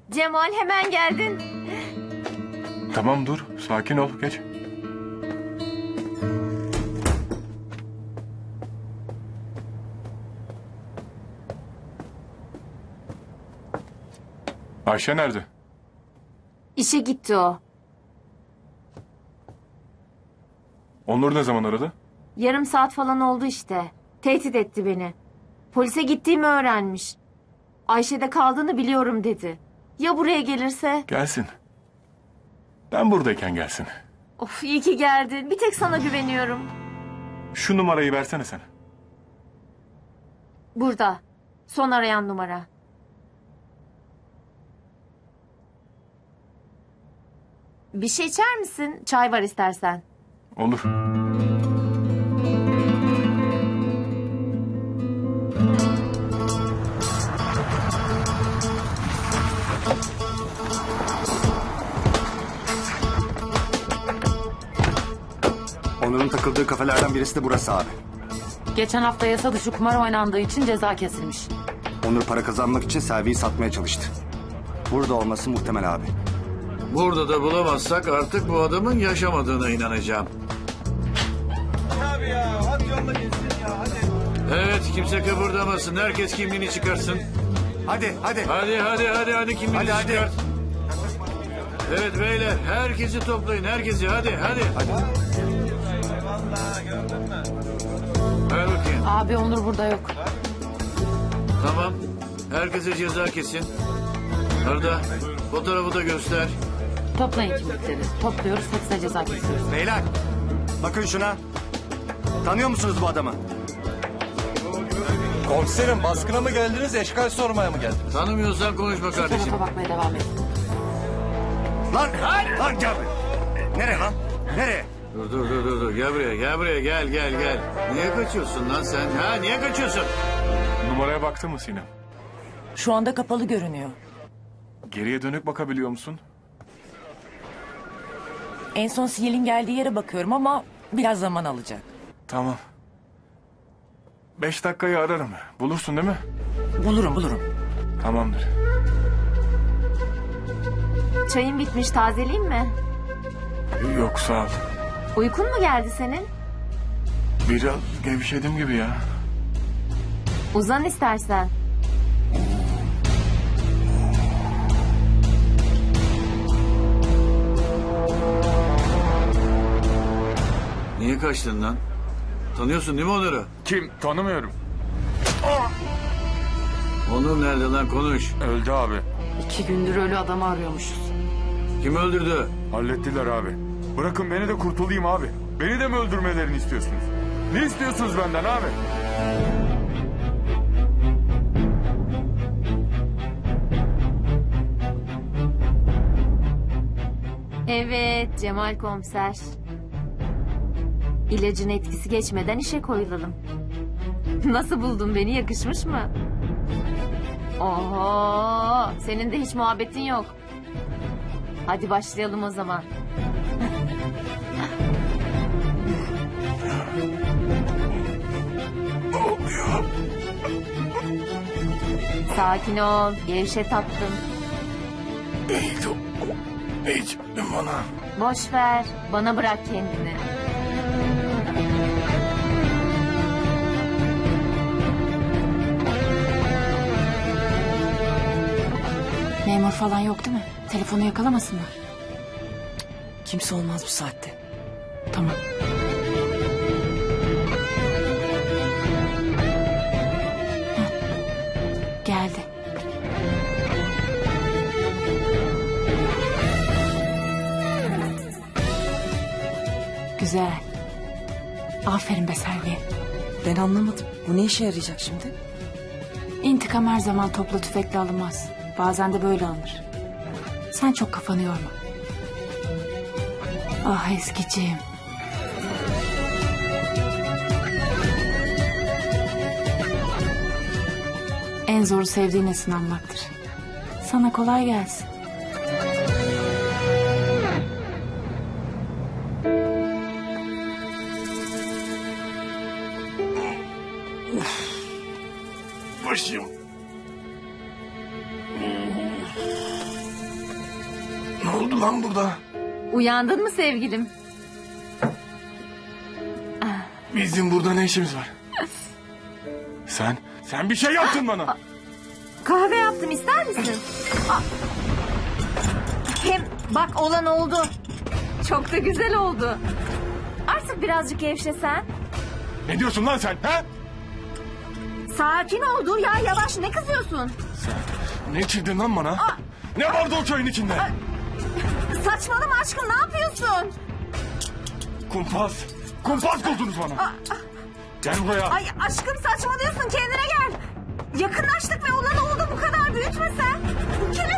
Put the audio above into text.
Cemal hemen geldin. Tamam dur. Sakin ol. Geç. Ayşe nerede? İşe gitti o. Onur ne zaman aradı? Yarım saat falan oldu işte. Tehdit etti beni. Polise gittiğimi öğrenmiş. Ayşe'de kaldığını biliyorum dedi. Ya buraya gelirse? Gelsin. Ben buradayken gelsin. Of iyi ki geldin. Bir tek sana güveniyorum. Şu numarayı versene sen. Burada. Son arayan numara. Bir şey içer misin? Çay var istersen. Olur. Onur'un takıldığı kafelerden birisi de burası abi. Geçen hafta yasa dışı kumar oynandığı için ceza kesilmiş. Onur para kazanmak için Selvi'yi satmaya çalıştı. Burada olması muhtemel abi. Burada da bulamazsak artık bu adamın yaşamadığına inanacağım. Abi ya hadi yolla gitsin ya hadi. Evet, kimse kıpırdamasın. Herkes kimliğini çıkarsın. Hadi. Hadi kimliğini Hadi. çıkart. Evet beyler, herkesi toplayın. Herkesi hadi. Vallahi gördün mü? Ver bakayım. Abi Onur burada yok. Tamam. Herkese ceza kesin. Arda, fotoğrafı da göster. Toplayın kimlikleri. Topluyoruz, hepsine ceza kesiyoruz. Beyler bakın şuna. Tanıyor musunuz bu adamı? Komiserim baskına mı geldiniz eşkal sormaya mı geldiniz? Tanımıyorsan konuşma Şu kardeşim. tarafa bakmaya devam et. Lan gel buraya. Nereye lan? Nereye? Dur. Gel buraya. Gel. Niye kaçıyorsun lan sen? Niye kaçıyorsun? Numaraya baktın mı Sinem? Şu anda kapalı görünüyor. Geriye dönük bakabiliyor musun? En son sinyalin geldiği yere bakıyorum ama biraz zaman alacak. Tamam. 5 dakikayı ararım. Bulursun değil mi? Bulurum. Tamamdır. Çayın bitmiş. Tazeleyeyim mi? Yok sağ ol. Uykun mu geldi senin? Biraz gevşedim gibi ya. Uzan istersen. Niye kaçtın lan? Tanıyorsun değil mi Onur'u? Kim? Tanımıyorum. Onur nerede lan, konuş. Öldü abi. 2 gündür ölü adamı arıyormuşuz. Kim öldürdü? Hallettiler abi. Bırakın beni de kurtulayım abi. Beni de mi öldürmelerini istiyorsunuz? Ne istiyorsunuz benden abi? Evet Cemal komiser. İlacın etkisi geçmeden işe koyulalım. Nasıl buldun beni, yakışmış mı? Oho, senin de hiç muhabbetin yok. Hadi başlayalım o zaman. Sakin ol, gevşe tatlım. Hiç bana. Boş ver, bana bırak kendini. Memur falan yok değil mi? Telefonu yakalamasınlar. Kimse olmaz bu saatte. Tamam. Hah, geldi. Güzel. Aferin be Selvi. Ben anlamadım. Bu ne işe yarayacak şimdi? İntikam her zaman topla tüfekle alınmaz. Bazen de böyle alınır. Sen çok kafanı yorma. Ah eskiciğim. En zoru sevdiğine sınanmaktır. Sana kolay gelsin. Başım. Ne oldu lan burada? Uyandın mı sevgilim? Bizim burada ne işimiz var? Sen bir şey yaptın bana. Kahve yaptım, ister misin? Hem bak olan oldu. Çok da güzel oldu. Artık birazcık gevşesen. Ne diyorsun lan sen? Ha? Sakin ol, dur ya, yavaş, ne kızıyorsun? Ne içirdin lan bana? Ne vardı o çayın içinde? Saçmalama aşkım, ne yapıyorsun? Kumpas buldunuz bana. Gel buraya. Ay aşkım saçmalıyorsun, kendine gel. Yakınlaştık ve olan oldu, bu kadar büyütme sen. Bu kelime